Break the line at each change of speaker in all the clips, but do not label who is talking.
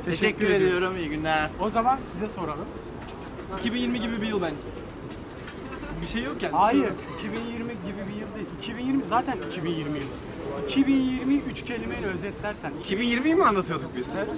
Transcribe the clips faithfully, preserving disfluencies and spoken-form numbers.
Teşekkür ediyorum. İyi günler.
O zaman size soralım.
iki bin yirmi gibi bir yıl bence. Bir şey yok yani.
Hayır, iki bin yirmi gibi bir yıl değil. iki bin yirmi zaten iki bin yirmi yılı. iki bin yirmi üç kelimeyle özetlersen.
iki bin yirmiyi mi anlatıyorduk biz?
Evet.
Oh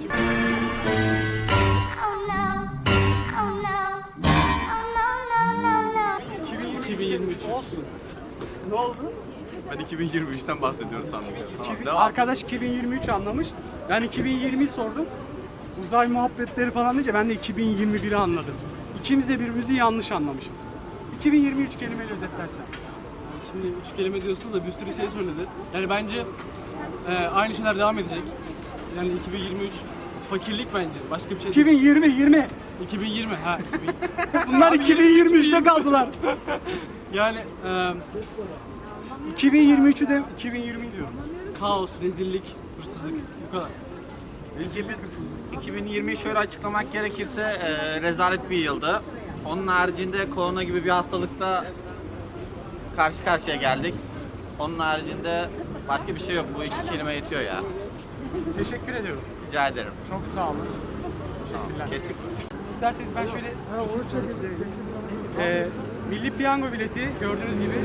no. Oh no. Oh no, no, no, no.
iki bin yirmi üç olsun. Ne oldu?
Ben iki bin yirmi üçten bahsediyoruz sandım. Tamam,
iki bin
devam.
Arkadaş iki bin yirmi üç anlamış. Ben iki bin yirmiyi sordum. Uzay muhabbetleri falan deyince ben de iki bin yirmi biri anladım. İkimiz de birbirimizi yanlış anlamışız. iki bin yirmi üç kelimeyle özetlersen.
Şimdi üç kelime diyorsunuz da bir sürü şey söyledi. Yani bence e, aynı şeyler devam edecek. Yani iki bin yirmi üç fakirlik bence. Başka bir şey değil.
iki bin yirmi yirmi.
iki bin yirmi ha. iki bin.
Bunlar iki bin yirmi üçte kaldılar.
Yani e,
iki bin yirmi üçü de iki bin yirmi diyorum.
kaos, rezillik, hırsızlık bu kadar.
iki bin yirmiyi şöyle açıklamak gerekirse e, rezalet bir yıldı. Onun haricinde korona gibi bir hastalıkta karşı karşıya geldik. Onun haricinde başka bir şey yok. Bu iki kelime yetiyor ya.
Teşekkür ediyorum.
Rica ederim.
Çok sağ olun.
Tamam, kestik.
İsterseniz ben şöyle küçük soru size vereyim. Ee, Milli Piyango bileti gördüğünüz gibi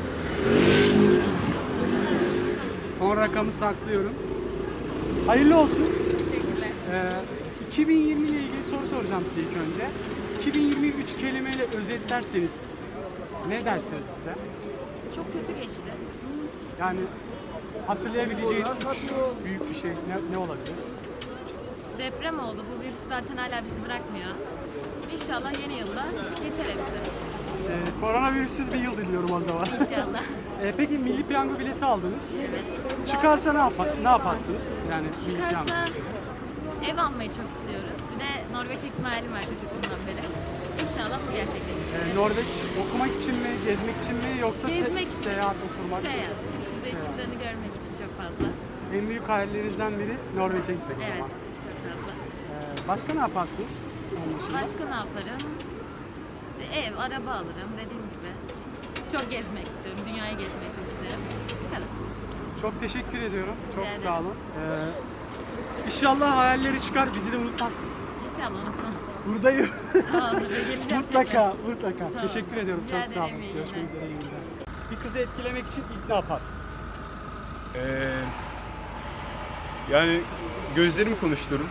son rakamı saklıyorum. Hayırlı olsun.
Teşekkürler.
Ee, iki bin yirmi ile ilgili soru soracağım size ilk önce. iki bin yirmi üç kelimeyle özetlerseniz ne dersiniz bize?
Çok kötü geçti.
Yani hatırlayabileceğiniz üç büyük bir şey ne, ne olabilir?
Deprem oldu. Bu virüs zaten hala bizi bırakmıyor. İnşallah yeni yılda geçer hepsi.
Ee, koronavirüsüz bir yıl diliyorum o zaman.
İnşallah.
Ee, peki Milli Piyango bileti aldınız.
Evet.
Çıkarsa ne yapar, ne yaparsınız? Yani Milli Piyango.
Çıkarsa ev almayı çok istiyoruz. Bir de Norveç ihtimalim var çocukluğumdan beri. İnşallah bu gerçekleşir.
Ee, Norveç okumak için mi, gezmek için mi yoksa se-
Gezmek için.
seyahat, okurmak?
Seyahat. Kuzey ışıklarını görmek için çok fazla.
En büyük hayallerinizden biri Norveç'e gitmek o
Evet.
zaman.
Çok fazla.
Ee, başka ne yaparsınız? Onun dışında?
Başka ne yaparım? Ev, araba alırım dediğim gibi. Çok gezmek istiyorum. Dünyayı gezmeyi çok isterim. Bu kadar.
Çok teşekkür ediyorum. Çok
Rica
sağ
ederim.
olun. Ee, inşallah hayalleri çıkar, bizi de unutmazsın.
İnşallah unutmam.
Buradayım.
Tamamdır. Geleceğim
mutlaka, mutlaka.
Tamam.
Teşekkür ediyorum.
Rica
Çok sağ olun.
ederim, iyi
Görüşmek
günler.
üzere. iyi günler. Bir kızı etkilemek için ilk ne yaparsın?
Ee, yani gözlerimi konuştururum.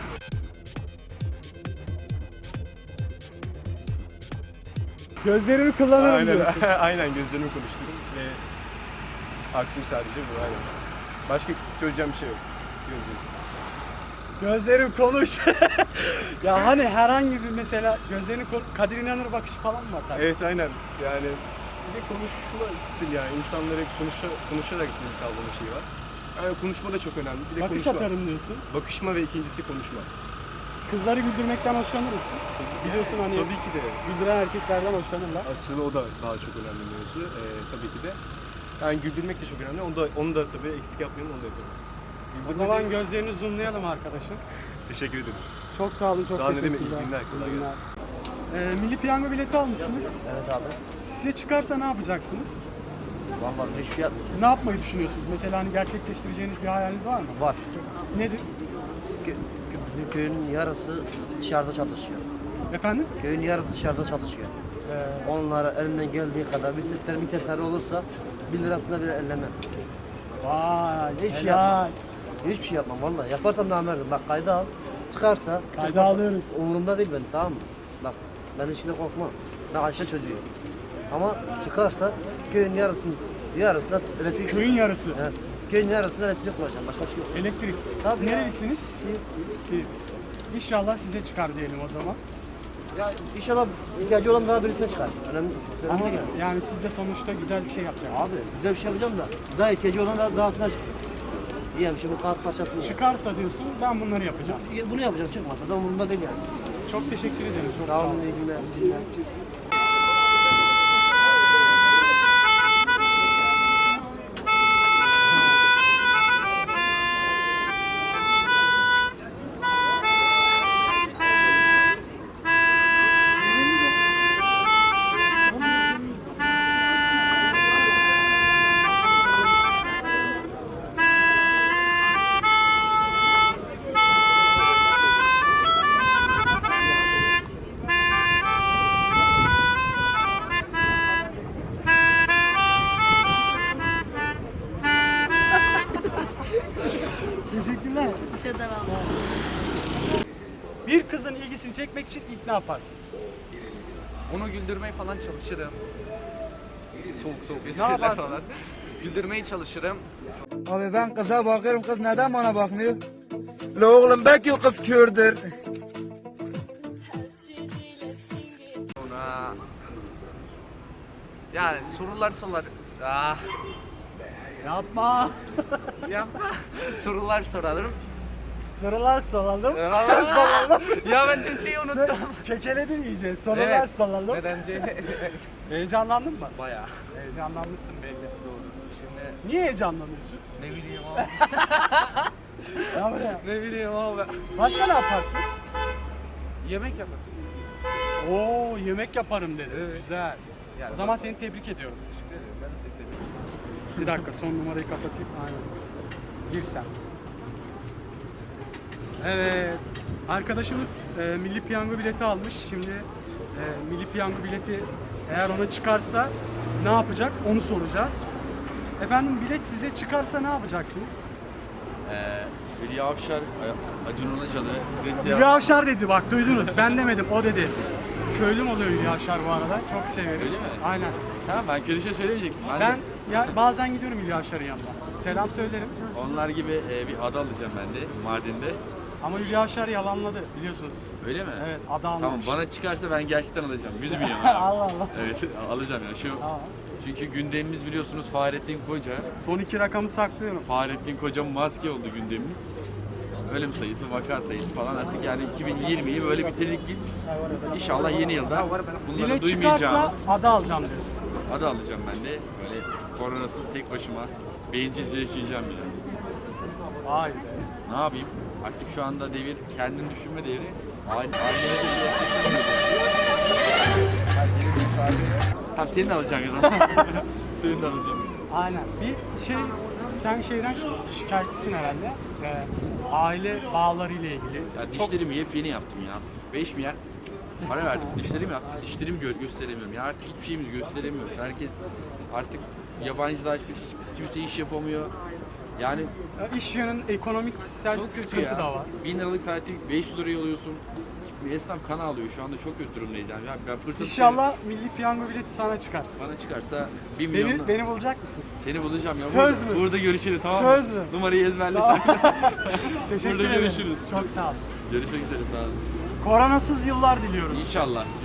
Gözlerimi kullanırım
Aynen,
diyorsun.
aynen gözlerimi konuştururum ve aklım sadece bu. Aynen. Başka söyleyeceğim bir şey yok. Gözlerim.
Gözlerim konuş. Ya hani herhangi bir mesela gözlerini kon- Kadir İnanır bakışı falan mı atar?
Evet aynen. Yani bir de konuşma stil yani insanlara konuşa, konuşarak bir tavlama şeyi var. Yani konuşma da çok önemli. Bir de
Bakış
konuşma.
atarım diyorsun.
Bakışma ve ikincisi konuşma.
Kızları güldürmekten hoşlanır mısın? Biliyorsun hani
Tabii ki de.
güldüren erkeklerden hoşlanırlar.
Asıl o da daha çok önemli mevzu. Ee, tabii ki de. Yani güldürmek de çok önemli. Onu da, onu da tabii eksik yapmayalım, onu da yapalım.
O
Güldürmek
zaman
de-
gözlerini zoomlayalım arkadaşım.
Teşekkür ederim.
Çok sağ olun, çok
Sağ olun, ne
teşekkürler.
demek. İyi günler, kolay
İyi günler.
gelsin.
Ee, Milli Piyango bileti almışsınız.
Evet abi.
Size çıkarsa ne yapacaksınız?
Vallahi hiçbir şey yapmayacağım.
Ne yapmayı düşünüyorsunuz? Mesela hani gerçekleştireceğiniz bir hayaliniz var mı?
Var.
Nedir?
Kö kö- köyün yarısı dışarıda çalışıyor.
Efendim?
Köyün yarısı dışarıda çalışıyor.
Ee,
Onlara elinden geldiği kadar bir setler bir setler olursa bir lirasına bile ellemem.
vay,
Hiçbir şey
helal.
Hiçbir şey yapmam vallahi. Yaparsam namerdim. Bak kayda al. Çıkarsa
Kayda
çıkmazsa
alıyoruz.
Umurumda değil benim, tamam mı? Bak ben işine korkmam. Ben Ayşe çocuğuyum. Ama çıkarsa köyün yarısını yarısına elektrik
Köyün yarısı.
Evet. Köyün yarısına elektrik koyacağım. Başka bir şey yok.
Elektrik.
Tabii ya.
Nerelisiniz? Siirt. İnşallah size çıkar diyelim o zaman.
Ya inşallah ihtiyacı olan daha birisine çıkar. Önemli, önemli
Ama
değil yani.
yani siz de sonuçta güzel bir şey yapacaksınız.
Abi güzel bir şey yapacağım da daha ihtiyacı olan da dahasına çıksın. İyi bir şey, bu kağıt parçasını.
Çıkarsa diyorsun ben bunları yapacağım.
Bunu yapacağım, çıkmasa da umurumda değil yani.
Çok teşekkür ederim. Çok
Sağ olun, iyi günler. iyi günler.
Teşekkürler.
İşe daraldım.
Bir kızın ilgisini çekmek için ilk ne yaparsın?
Onu güldürmeye falan çalışırım. Soğuk soğuk
Ne
espriler
yaparsın?
falan. Güldürmeye çalışırım.
Abi ben kıza bakıyorum, kız neden bana bakmıyor? La oğlum belki o kız kördür.
Ona... Yani sorular sorar. Ah,
Yapma.
yapma. Sorular sorarım.
Sorular soralım.
Sorular sorarım. Ya ben Türkçeyi unuttum.
Kekeledin iyice. Sorular
Evet.
soralım.
Nedence?
Heyecanlandın mı?
Bayağı.
Heyecanlanmışsın belli.
Doğru. Şimdi
Niye heyecanlanıyorsun?
ne bileyim abi.
Ya buraya.
ne bileyim abi.
Başka ne yaparsın?
Yemek yaparım.
Oo yemek yaparım dedi.
Evet.
Güzel.
Yani
O zaman seni tebrik ediyorum.
Teşekkür ederim. Ben de seni tebrik ederim.
Bir dakika son numarayı kapatayım. Aynen. Gir sen. Evet. Arkadaşımız e, Milli Piyango bileti almış. Şimdi e, Milli Piyango bileti eğer ona çıkarsa ne yapacak onu soracağız. Efendim bilet size çıkarsa ne yapacaksınız?
Ee, Hülya Avşar, Acun Ilıcalı,
Hülya Avşar dedi bak duydunuz. Ben demedim o dedi. Köylüm oluyor Hülya Avşar bu arada. Çok severim.
Öyle mi?
Aynen.
Tamam, ben kötü şey söylemeyecektim. Ben,
Ben
de
ya bazen gidiyorum Hülya Avşar'ın yanına. Selam söylerim.
onlar gibi e, bir ada alacağım ben de Mardin'de.
Ama Hülya Avşar yalanladı biliyorsunuz.
Öyle mi?
Evet ada
Tamam,
almamış.
bana çıkarsa ben gerçekten alacağım. yüz milyon abi.
Allah Allah.
Evet, alacağım ya. Şu
Tamam.
çünkü gündemimiz biliyorsunuz Fahrettin Koca.
Son iki rakamı saklıyorum.
Fahrettin Koca maske oldu gündemimiz. Ölüm sayısı, vaka sayısı falan artık yani iki bin yirmiyi böyle bitirdik biz. İnşallah yeni yılda bunları
Bilet
duymayacağımız
çıkarsa ada alacağım diyorsun.
adı alacağım ben de. Böyle koronasız tek başıma bencilce yaşayacağım yani.
Vay be.
Ne yapayım? Artık şu anda devir kendini düşünme devri. Aile Tamam, senin de alacaksın o zaman. Senin de alacağım.
Aynen. Bir şey, sen şeyden şikayetçisin herhalde. Ee, aile bağları ile ilgili.
Ya
Çok
dişlerimi yepyeni yaptım ya. beş milyar para verdim. Dişlerimi yaptım. Dişlerimi gö- gösteremiyorum. Ya artık hiçbir şeyimizi gösteremiyoruz. Herkes artık yabancılaşmış. Kimse iş yapamıyor. Yani
iş yönün ekonomiksel
çok kötü
sıkıntı
ya.
da var.
bin liralık saati beş yüz liraya alıyorsun. Bir esnaf kan alıyor. Şu anda çok kötü durumdayız yani. Ya ben fırsat
İnşallah milli piyango bileti sana çıkar.
bana çıkarsa bir milyon
Beni, beni bulacak mısın?
seni bulacağım ya.
Söz
burada,
mü?
Burada görüşürüz, tamam
Söz
mı?
mü?
Numarayı ezberle.
Tamam.
sen.
Teşekkür
Burada
ederim.
görüşürüz.
Çok sağ ol.
Görüşmek üzere, sağ olun.
Koronasız yıllar diliyorum.
İnşallah.